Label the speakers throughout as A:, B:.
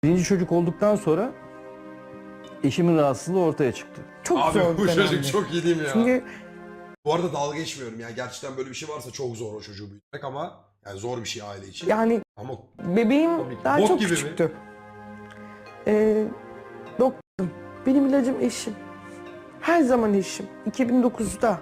A: Birinci çocuk olduktan sonra eşimin rahatsızlığı ortaya çıktı.
B: Çok
C: Abi
B: zor
C: bu
B: bir
C: çocuk
B: dönemdi.
C: çok iyi değil mi ya?
B: Çünkü
C: Bu arada dalga geçmiyorum yani gerçekten böyle bir şey varsa çok zor o çocuğu büyütmek ama yani zor bir şey aile için.
B: yani
C: Ama
B: bebeğim
C: Tabii ki.
B: daha
C: Bok
B: çok
C: gibi mi?
B: küçüktü. Doktorum. Benim ilacım eşim. Her zaman eşim. 2009'da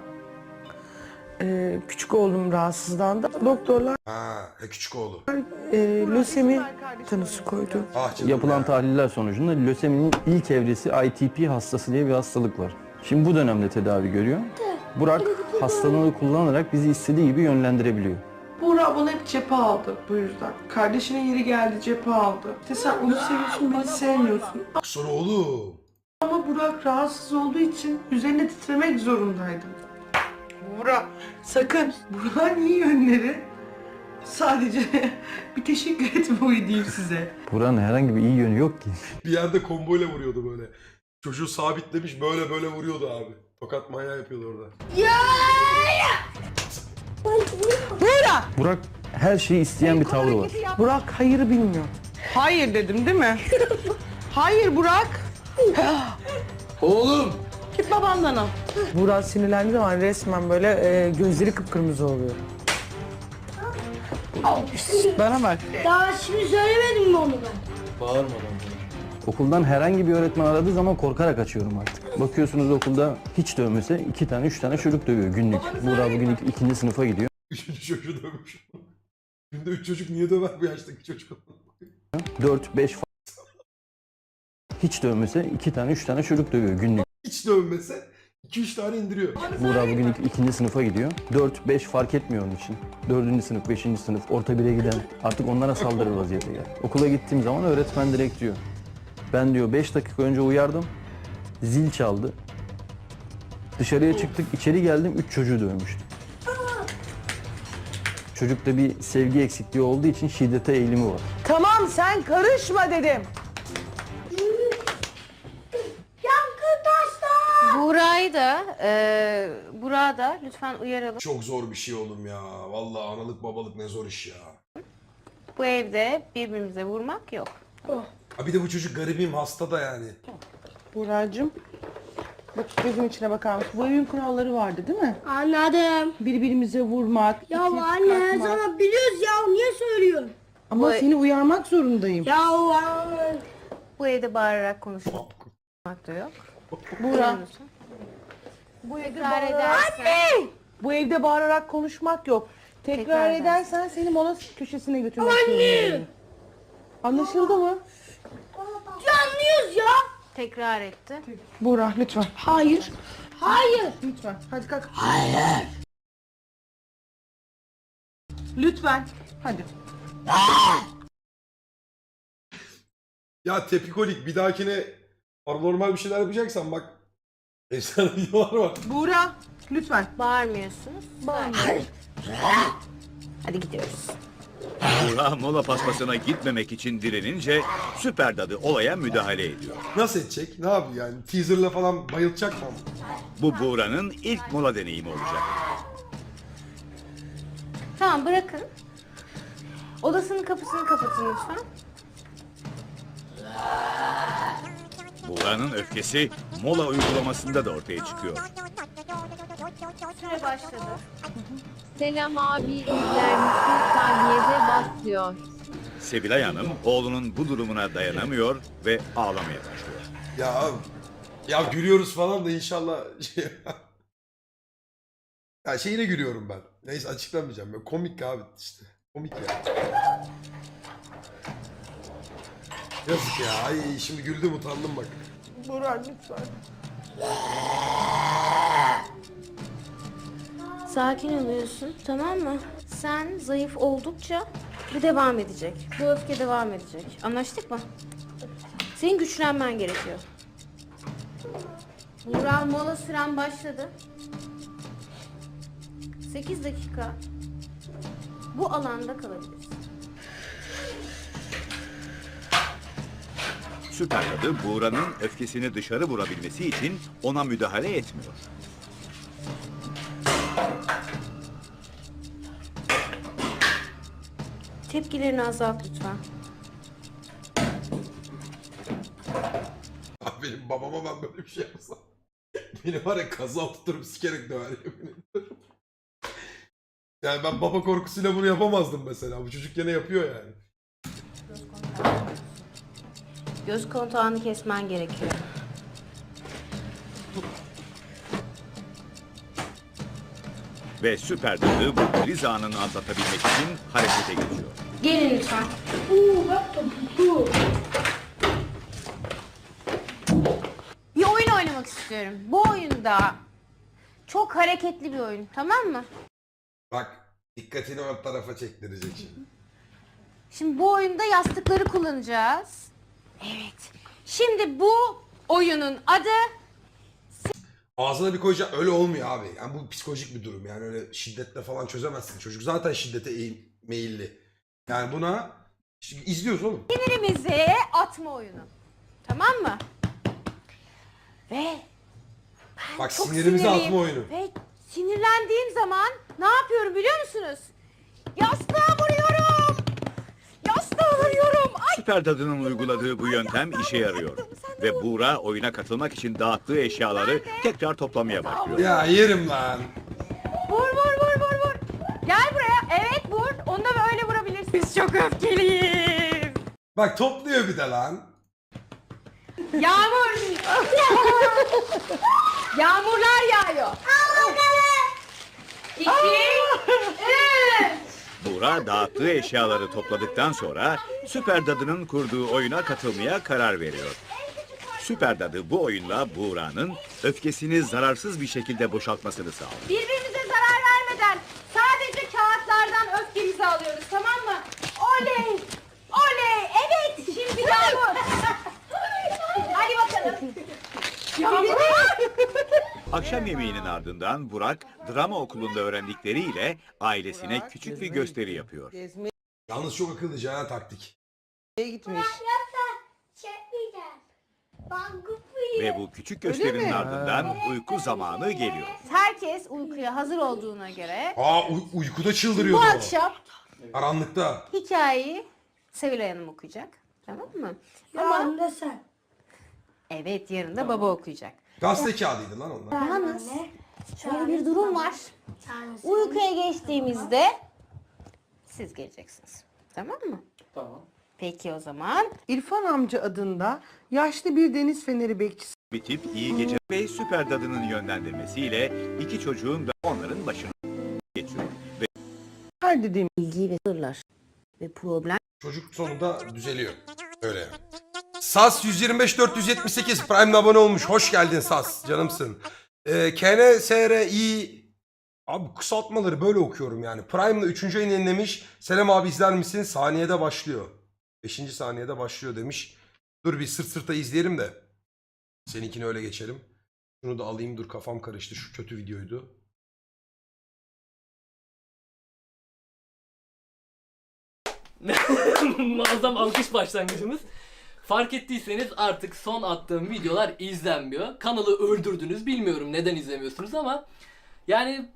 B: küçük oğlum rahatsızlandı. Doktorlar
C: küçük oğlu.
B: lösemi tanısı koydu.
C: Ah canım
A: Yapılan
C: ya.
A: tahliller sonucunda löseminin ilk evresi ITP hastası diye bir hastalık var. Şimdi bu dönemde tedavi görüyor. Burak hastalığını kullanarak bizi istediği gibi yönlendirebiliyor.
B: Burak bana hep cephe aldı bu yüzden. Kardeşinin yeri geldi cephe aldı. İşte sen onu seviyorsun, beni sevmiyorsun.
C: Sonra oğlum.
B: Ama Burak rahatsız olduğu için üzerine titremek zorundaydım. Burak sakın. Burak'ın iyi yönleri sadece bir teşekkür etmeyi diyeyim size.
A: Burak'ın herhangi bir iyi yönü yok ki.
C: Bir yerde komboyla vuruyordu böyle. Çocuğu sabitlemiş böyle böyle vuruyordu abi. Tokat manyağı yapıyordu orada.
B: Burak!
A: Burak her şeyi isteyen bir tavrı var.
B: Burak hayırı bilmiyor. Hayır dedim değil mi? Hayır Burak.
C: Oğlum!
B: Git babandan al. Burak sinirlendiği zaman resmen böyle gözleri kıpkırmızı oluyor. Bana bak.
D: Daha şimdi söylemedim mi onu ben?
A: Okuldan herhangi bir öğretmen aradığı zaman korkarak açıyorum artık. Bakıyorsunuz okulda hiç dövmese 2 tane 3 tane çocuk dövüyor günlük. Burak bugün ikinci sınıfa gidiyor.
C: Üçüncü çocuğu dövmüş. Günde 3 çocuk niye döver bu yaştaki çocuk?
A: 4-5 hiç dövmese 2 tane 3 tane çocuk dövüyor günlük.
C: Hiç dövmese 2-3 tane indiriyor.
A: Burak bugün ikinci sınıfa gidiyor. 4-5 fark etmiyor onun için. 4. sınıf, 5. sınıf, orta 1'e giden artık onlara saldırır vaziyete geldi. Okula gittiğim zaman öğretmen direkt diyor. Ben diyor 5 dakika önce uyardım. Zil çaldı. Dışarıya çıktık, içeri geldim 3 çocuğu dövmüştüm. Çocukta bir sevgi eksikliği olduğu için şiddete eğilimi var.
B: Tamam sen karışma dedim.
E: Burak'ı da lütfen uyaralım.
C: Çok zor bir şey oğlum ya. Vallahi analık babalık ne zor iş ya.
E: Bu evde birbirimize vurmak yok.
C: Ha bir de bu çocuk garibim hasta da yani.
B: Burak'cığım. Bak gözüm içine bakar mısın? Bu evin kuralları vardı değil mi?
D: Anladım.
B: Birbirimize vurmak,
D: Ya
B: itip
D: anne
B: kalkmak.
D: sana biliyoruz ya niye söylüyorsun?
B: Ama seni uyarmak zorundayım.
D: Ya anne.
E: Bu evde bağırarak konuşmak da yok.
B: Burak.
E: Bu tekrar edersen.
B: Bu evde bağırarak konuşmak yok. Tekrar
E: Tekrar
B: edersen seni mola köşesine götürmek zorundayım. Anlaşıldı mı?
D: Ya anlıyoruz ya.
E: Tekrar etti.
B: Burak lütfen.
D: Hayır. Hayır.
B: Lütfen. Hadi kalk. Hayır. Lütfen. Hadi.
C: Ya tepikolik bir dahakine normal bir şeyler yapacaksan bak. Efsane videolar var.
B: Burak lütfen.
E: Bağırmıyorsunuz. Hadi gidiyoruz.
F: Burak mola paspasına gitmemek için direnince Süper Dadı olaya müdahale ediyor.
C: Nasıl edecek? Ne yapıyor yani? Teaserla falan bayılacak mı?
F: Bu Buğra'nın ilk mola deneyimi olacak.
E: Tamam bırakın. Odasının kapısını kapatın lütfen.
F: Buğra'nın öfkesi mola uygulamasında da ortaya çıkıyor.
E: Süre başladı.
G: Selam abi izler misin? Tahliyede bas diyor.
F: Sevilay Hanım oğlunun bu durumuna dayanamıyor ve ağlamaya başlıyor.
C: Ya gülüyoruz falan da inşallah şey... Ya şeyine gülüyorum ben. Neyse açıklamayacağım. Ya, komik abi işte. Komik ya. Yazık ya. Ay şimdi güldüm utandım bak.
B: Burak lütfen.
E: Sakin oluyorsun, tamam mı? Sen zayıf oldukça bu devam edecek. Bu öfke devam edecek. Anlaştık mı? Senin güçlenmen gerekiyor. Burak mola süren başladı. 8 dakika bu alanda kalabilirsin.
F: Süper Dadı Buğra'nın öfkesini dışarı vurabilmesi için ona müdahale etmiyor.
E: Tepkilerini azalt lütfen.
C: benim babama ben böyle bir şey yapsam. Beni var ya kaza tuturup sikerek döver yemin ediyorum. Yani ben baba korkusuyla bunu yapamazdım mesela. Bu çocuk gene yapıyor yani.
E: Göz kontağını kesmen gerekiyor.
F: Ve süper dadı bu kriz anını atlatabilmek için harekete geçiyor.
E: Gelin lütfen.
D: Bak topuklu.
E: Bir oyun oynamak istiyorum. Bu oyunda çok hareketli bir oyun, tamam mı?
C: Bak dikkatini o tarafa çektirecek şimdi.
E: Şimdi bu oyunda yastıkları kullanacağız. Evet. Şimdi bu oyunun adı
C: Ağzına bir koyacak öyle olmuyor abi. Yani bu psikolojik bir durum. Yani öyle şiddetle falan çözemezsin. Çocuk zaten şiddete meyilli. Yani buna şimdi izliyoruz oğlum.
E: sinirimizi atma oyunu. Tamam mı? Ve
C: Bak
E: çok
C: sinirimizi
E: sinirliyim.
C: atma oyunu.
E: Ve sinirlendiğim zaman ne yapıyorum biliyor musunuz? Yastığa vuruyorum. Yastığa vuruyorum. Ay.
F: Süper dadının uyguladığı bu yöntem işe yarıyor. Ve Buğra oyuna katılmak için dağıttığı eşyaları tekrar toplamaya başlıyor.
C: Ya yerim lan.
E: Vur vur vur vur vur. Gel buraya. Evet vur. Onu da böyle vurabilirsin. Biz çok öfkeliyiz.
C: Bak topluyor bir de lan.
E: Yağmur. Yağmurlar yağıyor. İki, üç.
F: Buğra dağıttığı eşyaları topladıktan sonra Süper Dadı'nın kurduğu oyuna katılmaya karar veriyor. Süper Dadı bu oyunla Buğra'nın öfkesini zararsız bir şekilde boşaltmasını sağlıyor.
E: Birbirimize zarar vermeden sadece kağıtlardan öfkemizi alıyoruz, tamam mı? Oley! Oley! Evet! Şimdi Yağmur! Hadi bakalım. Yağmur!
F: Akşam yemeğinin ardından Burak drama okulunda öğrendikleriyle ailesine küçük bir gösteri yapıyor.
B: Gezmeye
C: Yalnız çok akıllıca ha taktik.
B: gitmiş.
D: Çekmeyeceğim. Ben
F: Ve bu küçük gösterinin
B: mi?
F: ardından uyku zamanı geliyor.
E: Herkes uykuya hazır olduğuna göre
C: Aa uykuda
E: bu
C: çıldırıyordu o.
E: akşam
C: Karanlıkta.
E: hikayeyi Sevilay Hanım okuyacak. Tamam mı?
D: Ama da sen.
E: Evet, yarın da baba okuyacak.
C: Gazete kağıdıydı lan onlar.
E: Yalnız şöyle bir durum var. Uykuya geçtiğimizde siz geleceksiniz. Tamam mı? Tamam. Peki o zaman.
B: İrfan amca adında yaşlı bir deniz feneri bekçisi.
F: Bitip iyi gece ve Süper Dadı'nın yönlendirmesiyle iki çocuğun da onların başına geçiyor. Ve
B: Her dediğim
E: Bilgi ve sırlar ve problem.
C: Çocuk sonunda düzeliyor. Öyle yani. Sas 125-478 Prime'le abone olmuş. Hoş geldin Sas. Canımsın. KNSRI abi kısaltmaları böyle okuyorum yani. Prime'la 3. ayını yenilemiş. Selam abi izler misin? Saniyede başlıyor. 5. saniyede başlıyor demiş. Dur bir sırt sırta izleyelim de. Seninkini öyle geçelim. Şunu da alayım dur kafam karıştı. Şu kötü videoydu.
H: Muazzam alkış başlangıcımız. Fark ettiyseniz artık son attığım videolar izlenmiyor. Kanalı öldürdünüz. Bilmiyorum neden izlemiyorsunuz ama yani